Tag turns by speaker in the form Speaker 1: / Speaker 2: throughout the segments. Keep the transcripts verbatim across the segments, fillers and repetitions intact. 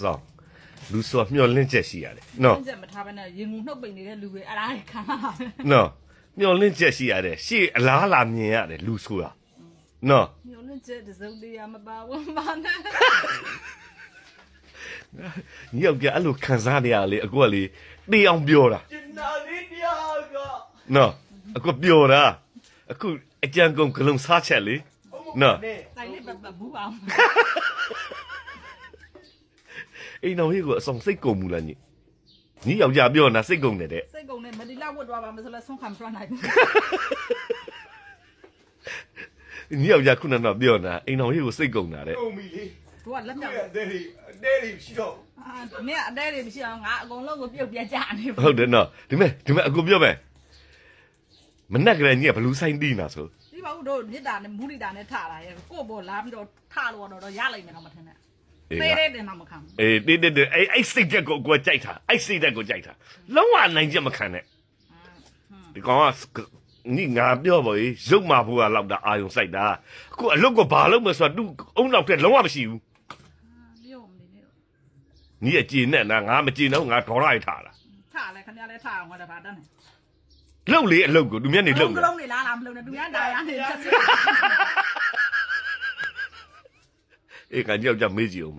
Speaker 1: ဆောင်လူဆိုမျောလင့်ချက်ရှိရတယ်နော်
Speaker 2: ကျက်မထားဘဲနဲ့ရင်ငုံနှုတ်ပိန်နေတဲ့လူတွေအဲ့ဒါခံရတာ
Speaker 1: နော်မျောလင့်ချက်ရှိရတယ်ရှေ့အလားလာမြင်ရတယ်လူဆိုတာနော်
Speaker 2: မျိုးလည်းကျက်တစုံတရာမပါဘူးမနဲ့
Speaker 1: ညီယောက်ျားအဲ့လိုခံစားနေရလေအခုကလေတေးအောင်ပြောတာ
Speaker 3: ကျင်နာလေးတရားက
Speaker 1: နော်အခုပြောတာအခုအကြံကုန်ဂလုံးစားချက်လေနော်
Speaker 2: တိုင်လေးပတ်ပတ်ဘူးအောင်
Speaker 1: အိမ်တော်ကြီးကိုအဆောင်စိတ်ကုန်မူလားညီညီယောက်ျားပြောတာစိတ်ကုန်တယ်တဲ့
Speaker 2: စိတ်ကုန်နဲ့မဒီလောက်ဝတ်သွားပါမဆိုလဲဆုံးခံပြနိုင်ဘူး
Speaker 1: ညီယောက်ျားခုနကပြောတာအိမ်တော်ကြီးကိုစိတ်ကုန်တာတဲ့
Speaker 3: ကုန်ပြီလေ
Speaker 2: သူကလက်
Speaker 3: သူ
Speaker 2: မြောက်
Speaker 3: ရဲ့အသေးတွေအသေးတွေရှိတော့
Speaker 2: အာမင်းအတဲတွေမရှိအောင်ငါအကုန်လုံးကိုပြုတ်ပြကြနေဘူး
Speaker 1: ဟုတ်တယ်နော်ဒီမဲ့ဒီမဲ့အခုပြောမယ်မနဲ့ကလေးညီကဘလူးဆိုင်တီးနာဆို
Speaker 2: ဒီပါဦးတို့မြစ်တာနဲ့မူလီတာနဲ့ထလာရဲ့ကို့ဘောလာပြီးတော့ထလို့တော့ရလိုက်မယ်တော့မထင်နဲ့သေးသေးတယ်တော့မခံဘူး
Speaker 1: အေးတိတိတိအဲ့အဲ့စိတ်တက်ကိုကိုကြိုက်တာအဲ့စိတ်တက်ကိုကြိုက်တာလုံးဝနိုင်ချက်မခံနဲ့ဒီကောင်ကညီငါပြောပါလေရုပ်မာဖို့ကလောက်တာအာယုံစိုက်တာအခုအလုတ်ကိုဘာလုပ်မလဲဆိုတော့သူ့အုံနောက်ထက်လုံးဝမရှိဘူး
Speaker 2: ပြုတ်မနေနဲ့
Speaker 1: ညီအကြည်နဲ့နာငါမကြည်တော့ငါဒေါ်လာရထားတာ
Speaker 2: ထလဲခင်ဗျားလဲထအောင်ငါတပါတန်းနေ
Speaker 1: လှုပ်လေအလုတ်ကိုသူမျက်နေလှုပ်
Speaker 2: က
Speaker 1: နေ
Speaker 2: လုံးနေလားလားမလုံးနဲ့သူများတာရနေချက်စစ်
Speaker 1: အေးကကြောက်ကြမေးကြည့်အောင်မ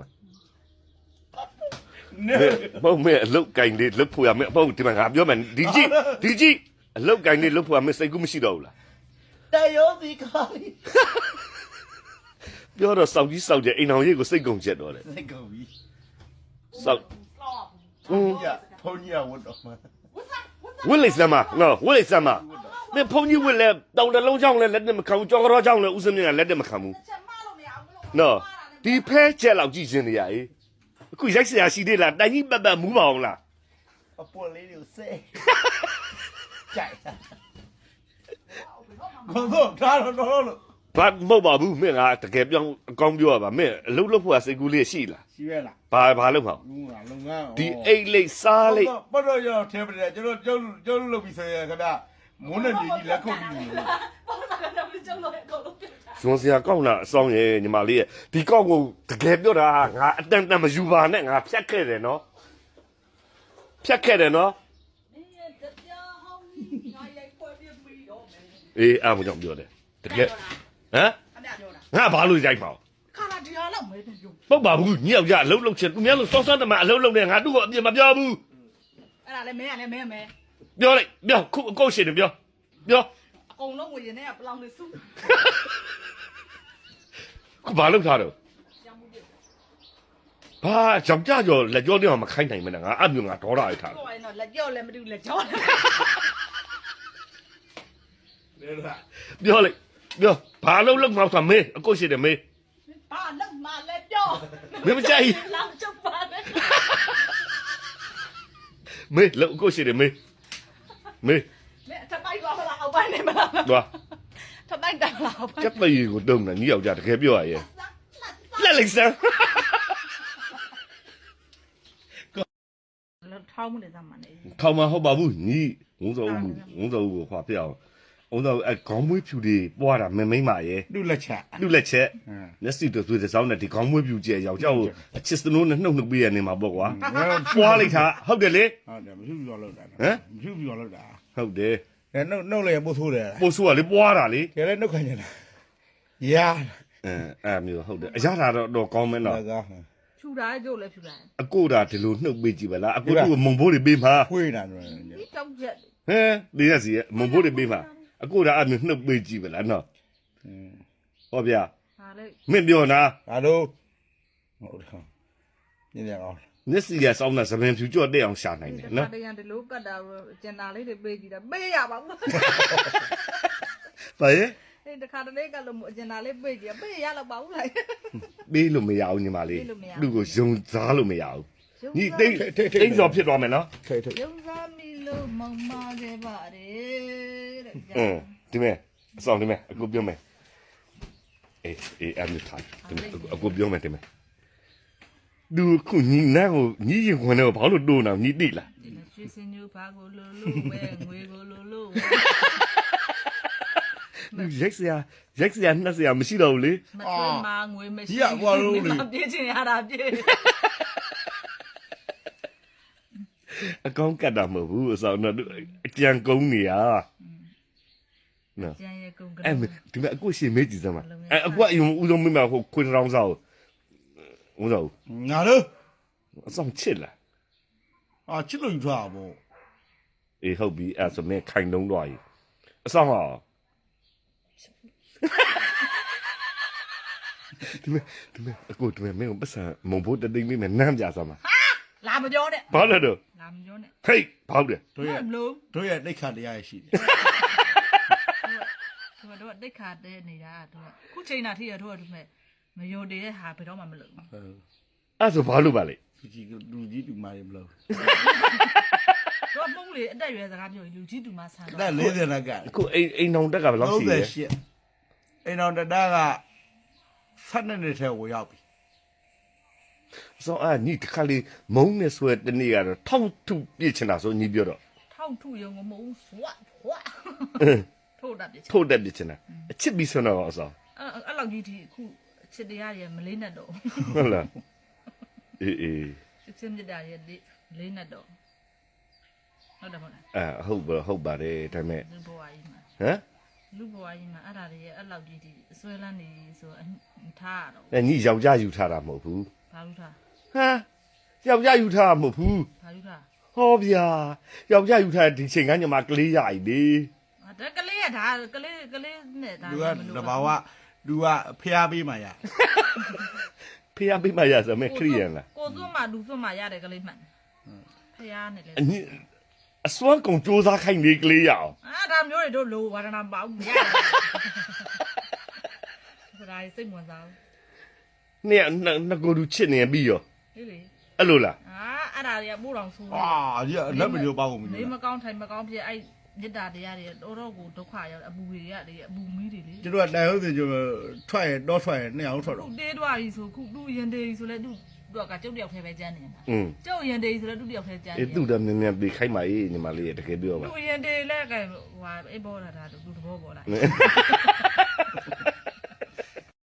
Speaker 3: နဲ
Speaker 1: မဟုတ်မဲအလုတ်ကင်လေးလှုပ်ဖို့ရမယ်မဟုတ်ဒီမှာငါပြောမယ်ဒီကြည့်ဒီကြည့်အလုတ်ကင်လေးလှုပ်ဖို့ရမယ်စိတ်ကူးမရှိတော့ဘူးလား
Speaker 3: တယောစီခါလေး
Speaker 1: ပြောတော့စောက်ကြီးစောက်ကြအိမ်အောင်ရေးကိုစိတ်ကုန်ချက်တော့တယ်
Speaker 3: စိတ်ကုန်ပြီ
Speaker 1: စောက်
Speaker 3: ဘုန်းကြီးဘုန်းကြီးဝတ်တော့မှာ
Speaker 1: ဝစ်လိုက်စမ်းမနော်ဝစ်လိုက်စမ်းမမင်းဖုန်ကြီးဝစ်လဲတောင်တလုံးချောင်းလဲလက်နဲ့မခံဘူးကြောင်ကြောချောင်းလဲဥစမင်းကလက်နဲ့မခံဘူး
Speaker 2: ချက်မလို့မရဘူးလို့
Speaker 1: နော်ဒီဖဲချက်လောက်ကြည့်ရှင်နေရအေးအခုရိုက်စရာရှိသေးလားတိုင်ကြီးပတ်ပတ်မူးပါအောင်လား
Speaker 3: အပေါ်လေးတွေကိုဆဲကြိုက်တာကောတော့ထားတော့တော့လို့
Speaker 1: ဘာမဟုတ်ပါဘူးမင်းကတကယ်ပြောင်းအကောင်းပြောရပါမင်းအလုပ်လုပ်ဖို့ကစိတ်ကူးလေးရှိလား
Speaker 3: ရှိရလား
Speaker 1: ဘာဘာလုပ်မှာ
Speaker 3: လူကလုံငန်း
Speaker 1: ဒီအိတ်လိတ်စားလိတ်
Speaker 3: ဘတ်တော့ရထဲပါတယ်ကျွန်တော်ကျောင်းကျောင်းလုပ်ပြီးဆိုရခဏမုန်းတဲ့ညီကြီးလက်ခုပ်ပြီးလို့
Speaker 2: ပေါ့တာကတော့ကျုံလို့အကုန်လုံးပြုတ်တာ
Speaker 1: ဇွန်စရာကောက်လာအဆောင်ရဲ့ညီမလေးရဲ့ဒီကောက်ကိုတကယ်ပြောတာငါအတန်တန်မယူပါနဲ့ငါဖြတ်ခဲ့တယ်နော်ဖြတ်ခဲ့တယ်နော်
Speaker 2: မင်းရဲ့တရားဟောင်းငါရိုက်ဖွဲ့ပြပြီးတော့မယ်
Speaker 1: အေးအားမကြောင့်ပြောတယ်တကယ်ဟမ်
Speaker 2: အမြပြောတာ
Speaker 1: ငါဘာလို့ရိုက်ပါ့
Speaker 2: ခါလာဒီဟာလောက်မဲတယ်ယူ
Speaker 1: ပုတ်ပါဘူးညောက်ကြအလုံးလုံးချင်သူများလို့စောစောတမအလုံးလုံးနဲ့ငါတို့ကိုအပြစ်မပြောဘူး
Speaker 2: အဲ့ဒါလည်းမဲရလည်းမဲမဲ
Speaker 1: ပြောလိုက်ပြောခုအကုတ်ရှင်တယ်ပြောပြော
Speaker 2: အကုန်လုံးဝင်နေကပလောင်နေစု
Speaker 1: ခုဘာလုပ်ထားတော့
Speaker 2: ရောင်းမှုပြ
Speaker 1: ဘာကြောင်ကြကြောလက်ကြောတော့မခိုင်းနိုင်မနဲ့ငါအမျိုးငါဒေါ်ရရထား
Speaker 2: တော့ရင်တော့လက်ကြောလည်းမတူလက်ကြော
Speaker 3: လေလား
Speaker 1: ပြောလိုက်ပြောဘာလို့လုံးမောက်တာမေးအကုတ်ရှင်တယ်မေး
Speaker 2: ဘာလောက်မှလည်းပြော
Speaker 1: မင်းမကြိုက်
Speaker 2: လောင်ချပ်ပါနဲ့
Speaker 1: မေးလောက်အကုတ်ရှင်တယ်မေးမေး
Speaker 2: မဲထပိုက်သွားမလားအောက်ပိုင်းနေမလား
Speaker 1: သွား
Speaker 2: ထပိုက်တယ်လားအောက်ပိုင်း
Speaker 1: ကျက်ပရီကိုတုံးတယ်ညီယောက်ကြတကယ်ပြောရရဲ့လက်လိုက်စမ်း
Speaker 2: လောက်ထောင်းမှုနေစမ်းမနေ
Speaker 1: ထောင်မဟုတ်ပါဘူးညီငုံစောဦးငုံစောဦးကိုခွာပြအောင်ငုံစောအဲခေါင်းမွေးဖြူတွေပွားတာမင်းမိမ့်ပါရဲ့
Speaker 3: လူလက်ချက်
Speaker 1: လူလက်ချက်
Speaker 3: ဟမ်
Speaker 1: မျက်စိတို့သွေးစောင်းနဲ့ဒီခေါင်းမွေးဖြူကျဲယောက်ျားကိုအချစ်စနိုးနဲ့နှုတ်နှုတ်ပေးရနေမှာပေါ့ကွာပွားလိုက်တာဟုတ်တယ်လေ
Speaker 3: ဟုတ်တယ်မဖြူပြလောက်တာ
Speaker 1: ဟမ်
Speaker 3: မဖြူပြလောက်တာ
Speaker 1: ဟုတ်တယ်
Speaker 3: အဲနှုတ်နှုတ်လည်းပို့ဆိုးတယ်
Speaker 1: ပို့ဆိုးကလေပွားတာလေ
Speaker 3: ကျလည်းနှုတ်ခံနေတာရာ
Speaker 1: အဲအဲမျိုးဟုတ်တယ်အရသာတော့တော့ကောင်းမင်းတော့
Speaker 3: ကား
Speaker 2: ဖြူတာကြို့လည်းဖြူတာ
Speaker 1: အကိုတာဒီလိုနှုတ်ပေးကြည့်ပါလားအကိုတို့မုံဘိုးတွေပေးမှာ
Speaker 3: ဖွေးတာတော့
Speaker 2: ဒီတောက်ချက်
Speaker 1: ဟမ်ဒီရစီမုံဘိုးတွေပေးမှာအကိုတာအမျိုးနှုတ်ပေးကြည့်ပါလားနော်ဟောဗျာ
Speaker 2: ဟာလေ
Speaker 1: မင်းပြောနာ
Speaker 3: ဒါတော့ဟုတ်တယ်ညနေအောင်
Speaker 1: မျက်စိရစောင်းတဲ့သပင်ဖြူကြော့တဲ့အောင်ရှာနိုင်တယ်နော်
Speaker 2: တရံဒီလိုကတ်တာကျန်တာလေးတွေပေးကြည့်တာပေးရပါဘူး
Speaker 1: ဘာရဲ့
Speaker 2: အဲ့တခါတလေကလို့အကျန်တာလေးပေးကြည့်ပေးရတော့ပါဘူးလိုက်
Speaker 1: ပေးလို့မရဘူးညီမလေး
Speaker 2: ပေးလို့မရဘူး
Speaker 1: သူ့ကိုယုံစားလို့မရဘူးညီတိတ်တိတ်စော်ဖြစ်သွားမယ်နော်
Speaker 3: ထိတ်ထိတ်
Speaker 2: ယုံစားမိလို့မောင်မခဲ့ပါတယ်တဲ့
Speaker 1: အင်းဒီမဲ့အဆောင်ဒီမဲ့အကိုပြောမယ်အေးအေးအမြထားဒီမဲ့အကိုပြောမယ်ဒီမဲ့သူခုညီနာကိုညီရင်ခွန်းတော့ဘာလို့တိုးနေညီတိလား
Speaker 2: ဒီရွှေစင်ညူဘာကိုလိုလိုပဲငွေကိုလိုလို
Speaker 1: သူရိုက်စရာရိုက်စရာနှက်စရာမရှိတော့ဘူးလေ
Speaker 2: မထွေးမှာငွေမရှိ
Speaker 3: ဒီကကွာလို့လေ
Speaker 2: ပြေးချင်ရတာပြေး
Speaker 1: ကောင်းကတ်တာမဟုတ်ဘူးအဆောင်တော့အကြံကုန်းနေရနော်
Speaker 2: ကျန်ရဲ့ကုန်းက
Speaker 1: အဲ့ဒီမှာအခုရှင်မေးကြည့်စမ်းပါအဲ့အခုအရင်ဦးဆုံးမင်းမဟိုခွင်းတောင်းစားဦးဆုံး
Speaker 3: ငါတို့
Speaker 1: အဆောင်ချစ်လား
Speaker 3: အာချစ်လို့ယူထားတာပေါ့
Speaker 1: အေးဟုတ်ပြီအဲ့ဆိုမင်းခိုင်တုံးတော့ကြီးအဆောင်ဟာဒီမဲ့ဒီမဲ့အခုဒီမဲ့မင်းကိုပတ်စံမုံဖို့တသိမ့်မိမယ်နမ်းပြစမ်းပါ
Speaker 2: လာမပြောနဲ့
Speaker 1: ဘာလဲတော့
Speaker 2: လာမပြောနဲ့
Speaker 1: ဟေးဘောက်တယ်
Speaker 3: တို့ရဲ့
Speaker 2: မလို့
Speaker 3: တို့ရဲ့တိတ်ခါတရားရှိတယ်
Speaker 2: သူတို့တိတ်ခါတဲ့နေတာတို့ခုချိန်တာထိရတို့တို့မဲ့မယုံတည်တဲ့ဟာဘယ်တော့မှမလုပ်ဘူး
Speaker 1: အဲ့ဆိုဘာလို့ပါလဲ
Speaker 3: သူကြီးလူကြီးတူမာရီမလို့
Speaker 2: တို့ပုံလေအတက်ရွယ်စကားပြောလူကြီးတူမဆန်
Speaker 3: အဲ့
Speaker 2: တော့
Speaker 3: လေးစနက
Speaker 1: အခုအိမ်အိမ်အောင်တက်ကဘယ်လောက်ရှိလဲ
Speaker 3: 38အိမ်တော်တတားကဆက်နေနေတဲ့ဝရောက်ပြီ
Speaker 1: ဆိုအာညီတခါလေးမုံနဲ့ဆွဲတနေ့ကတော့ထောက်ထုပြစ်ချင်တာဆိုညီပြောတော့
Speaker 2: ထောက်ထုရုံကမဟုတ်ဘူးဆွတ်ဖွာထိုးတတ်ပြစ်
Speaker 1: ထုတ်တက်ပြစ်ချင်တာအချစ်ပြီးဆွမ်းတော့အဆောင်
Speaker 2: အဲ့အဲ့လောက်ကြီးဒီအခုချစ်တရားရဲ့မလေးနဲ့တော့
Speaker 1: ဟုတ်လားအေးအေး
Speaker 2: ချစ်ချင်းမြတ်တာရဲ့လေးနဲ့တော့ဟုတ်တယ်မဟုတ်လား
Speaker 1: အဲဟုတ်ပါဟုတ်ပါတယ်ဒါပေမဲ့
Speaker 2: လူဘဝကြီးမှာ
Speaker 1: ဟမ်
Speaker 2: လူဘဝကြီးမှာအဲ့ဒါတွေရဲ့အဲ့လောက်ကြီးဒီအစွဲလန်းနေဆိုထားရတော့
Speaker 1: အဲညီယောက်ျားယူထားတာမဟုတ်ဘူး
Speaker 2: ဘာလို့ထား
Speaker 1: ဟမ်ယောက်ျားယူထားတာမဟုတ်ဘူး
Speaker 2: ဘာလို့ထား
Speaker 1: ဟောဗျာယောက်ျားယူထားဒီချိန်ကညမှာကလေးရည်လေ
Speaker 2: ဒါကလေးကဒါကလေးကလေးနဲ့ဒါ
Speaker 3: သူကတဘာဝသူကဖျားပေးမှရ
Speaker 1: ဖေးရပေးမရဆိုမဲ့ခရီးရန်လား
Speaker 2: ကိုစွန်းမှလူစွန်းမှရတဲ့ကလေးမှန်ဖျားနဲ့လေ
Speaker 1: အညီအစွမ်းကုန်စူးစမ်းခိုင်းနေကလေးရအောင်
Speaker 2: အာဒါမျိုးတွေတို့လိုဝါဒနာပေါ့မရတယ်ဒါစိတ်ဝင်စား
Speaker 1: နေနကိုလူချစ်နေပြီးရော
Speaker 2: ဘူးလေလေ
Speaker 1: အဲ့လိုလား
Speaker 2: အာအဲ့ဒါတွေကပို့တော်ဆူ
Speaker 3: အာဒီလက်မလို့ပေါ့ကုန်ပြီ
Speaker 2: နေမကောင်းထိုင်မကောင်းဖြစ်အဲ့မြစ်တာတရားတွေတော်တော်ကိုဒုက္ခရောက်အပူတွေရတယ်အပူမီးတွေလေ
Speaker 3: ကျတို့ကတိုင်ဟုတ်တယ်ကျထွက်ရတော့ထွက်ရနှစ်အောင်ထွက်
Speaker 2: ခု
Speaker 3: တော့
Speaker 2: တေးသွားပြီဆိုခုသူ့ရင်တေးဆိုလဲသူ့သူကကျုပ်တယောက်ထဲပဲကျန်းနေတာ
Speaker 1: อืม
Speaker 2: ကျုပ်ရင်တေးဆိုလဲသူ့တယောက်ထဲကျန်း
Speaker 1: အေး
Speaker 2: နေ
Speaker 1: သူ့တည်းနည်းနည်းပြီးခိုင်းပါအေးညီမလေးတကယ်ပြောပါ
Speaker 2: သူ့ရင်တေးလက်ကဟိုဟာအေးပေါ်လာတာသူ့တဘောပေါ်လာ